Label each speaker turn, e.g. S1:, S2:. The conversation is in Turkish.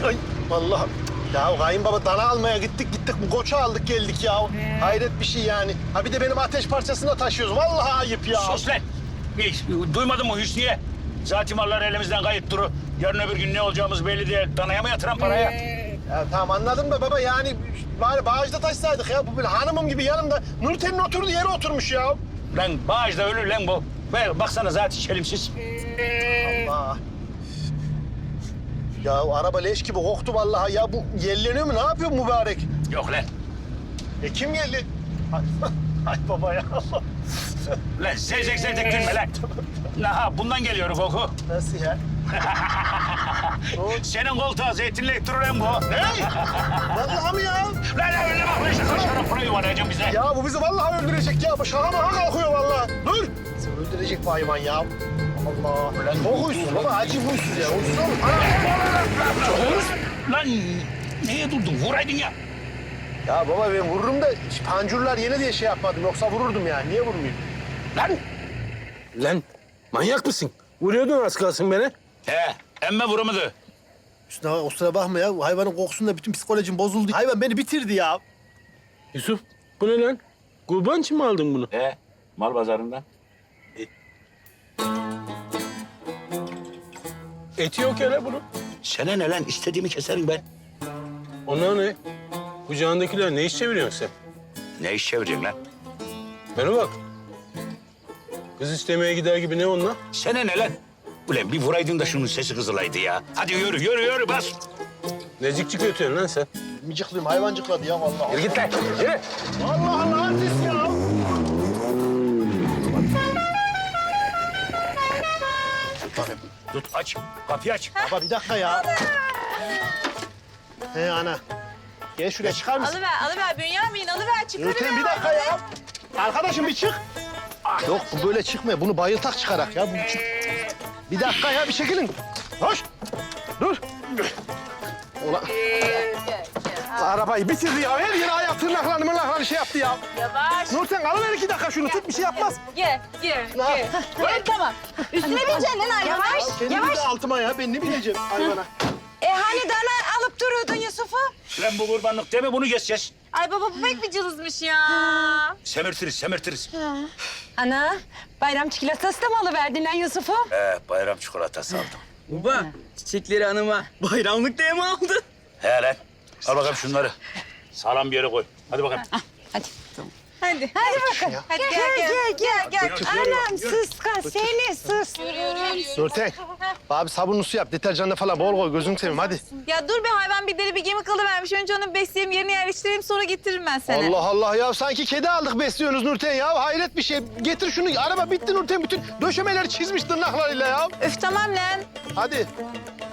S1: Ay vallahi. Ya kayınbaba dana almaya gittik bu koçu aldık geldik ya. Hayret bir şey yani. Ha bir de benim ateş parçasını da taşıyoruz. Vallahi ayıp ya.
S2: Sus lan! Duymadın mı Hüsniye? Zaten mallar elimizden kayıp duru. Yarın öbür gün ne olacağımız belli değil. Danaya mı yatıran paraya?
S1: Ya tamam anladım da baba yani bari bağışta taşsaydık ya. Bu böyle hanımım gibi yanımda Nurten'in oturduğu yere oturmuş ya.
S2: Lan bağışta ölür lan bu. Baksana zaten çelimsiz.
S1: Allah. Ya araba leş gibi koktu vallahi ya. Bu yelleniyor mu? Ne yapıyor mübarek?
S2: Yok lan.
S1: Kim geldi? Ay, ay baba ya.
S2: Lan zevzek gülme lan. Aha bundan geliyor koku.
S1: Nasıl ya?
S2: Senin koltuğa zeytinle durur lan bu.
S1: Ne? Vallahi mi ya?
S2: Lan öyle bak lan işte saçlarına para yuvarlayacağım bize.
S1: Ya bu bizi vallahi öldürecek ya. Bu şaha maha kalkıyor vallahi. Dur. Bizi öldürecek bu hayvan ya. Allah. Lan çok huysuz baba. Acı huysuz ya. Huysuz olur.
S2: Lan neye durdun? Vuraydın ya.
S1: Ya baba ben vururum da pancurlar yeni diye şey yapmadım. Yoksa vururdum yani. Niye vurmayayım?
S2: Lan.
S3: Lan manyak mısın? Vuruyordun az kalsın beni.
S2: He emme vuramadı.
S1: Üstüne o sıra bakma ya. Hayvanın kokusunda bütün psikolojim bozuldu. Hayvan beni bitirdi ya.
S3: Yusuf bu ne lan? Kurban için mi aldın bunu?
S2: He mal pazarından.
S3: Eti yok ya lan bunun.
S2: Sana ne lan? İstediğimi keserim ben.
S3: Ona ne? Kucağındakiler ne iş çeviriyorsun sen?
S2: Ne iş çevireyim lan?
S3: Bana bak. Kız istemeye gider gibi ne onunla?
S2: Sana ne lan? Ulan bir vuraydın da şunun sesi kızılaydı ya. Hadi yürü bas.
S3: Necikçik ötüyorsun lan sen?
S1: Micıklıyım hayvancıkladı ya vallahi.
S2: Yürü git lan. Yürü.
S1: Allah Allah artist ya.
S2: Tut aç. Kapıyı aç.
S1: Baba bir dakika ya. He ana. Gel şuraya çıkar mısın?
S4: Alıver Bünyamin, alıver çıkarıver.
S1: Nurten bir dakika ya. Arkadaşım bir çık. Yok bu böyle çıkmıyor. Bunu bayıltak çıkarak ya. Bu çık. Bir dakika ya bir çekilin. Hoş. Dur. Ulan. Arabayı bitirdi ya. Her yere ayak tırnaklarını şey yaptı ya.
S4: Yavaş.
S1: Nurten alıver 2 dakika şunu tut bir şey yapmaz.
S4: Gel. Tamam. Üstüne bineceksin lan hayvan. Yavaş.
S1: Kendimi de altıma ya. Ben ne bileceğim hayvana.
S4: Hani dana alıp duruyordun Yusuf'u?
S2: Lan bu kurbanlık deme bunu geçeceğiz.
S4: Ay baba bu pek bir cılızmış ya.
S2: Semirtiriz.
S4: Ana, bayram çikolatası da mı alıverdin lan Yusuf'u?
S2: Bayram çikolatası aldım.
S5: Baba, çiçekleri hanıma bayramlık diye mi aldın?
S2: He lan. Al bakalım şunları. Sağlam bir yere koy. Hadi bakalım.
S4: Hadi bakalım. Hadi gel.
S1: Anam
S4: sıska seni sus.
S1: Nurten. Abi sabunlu su yap. Deterjanla falan bol koy. Gözünü seveyim hadi.
S4: Ya dur be hayvan bir deli bir gemi kalıvermiş. Önce onu besleyeyim, yerine yerleştireyim sonra getiririm ben sana.
S1: Allah Allah ya sanki kedi aldık besliyorsunuz Nurten ya. Hayret bir şey. Getir şunu. Araba bitti Nurten. Bütün döşemeleri çizmiş tırnaklarıyla ya.
S4: Öf tamam lan.
S1: Hadi.